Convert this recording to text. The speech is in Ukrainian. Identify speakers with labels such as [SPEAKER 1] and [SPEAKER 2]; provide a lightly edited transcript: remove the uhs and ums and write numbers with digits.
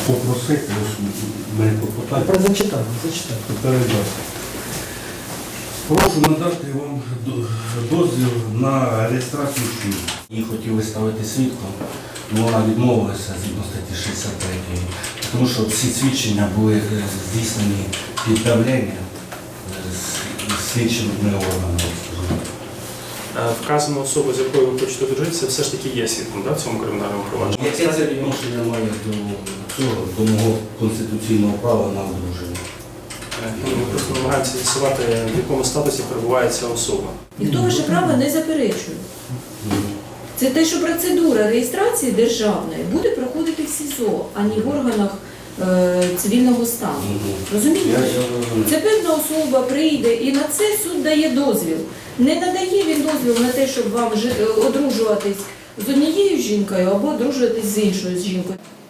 [SPEAKER 1] попросити, мене попитати.
[SPEAKER 2] Зачитаю.
[SPEAKER 1] Передати. Прошу надати вам дозвіл на реєстрацію шлюбу. Її хотіли ставити свідком, але вона відмовилася згідно статті 63, тому що всі свідчення були здійснені під давленням слідчими органами.
[SPEAKER 3] Вказана особа, з якою ви хочете одружитися, все ж таки є свідком, в цьому кримінальному провадженні?
[SPEAKER 1] Яке це відношення має до цього, до мого конституційного права на одруження?
[SPEAKER 3] Ми просто намагаємося з'ясувати, в якому статусі перебуває ця особа.
[SPEAKER 4] Ніхто ваше право не заперечує. Це те, що процедура реєстрації державної буде проходити в СІЗО, а не в органах цивільного стану. Розумієте? Це певна особа прийде і на це суд дає дозвіл. Не надає він дозвіл на те, щоб вам одружуватись з однією жінкою або одружуватись з іншою жінкою.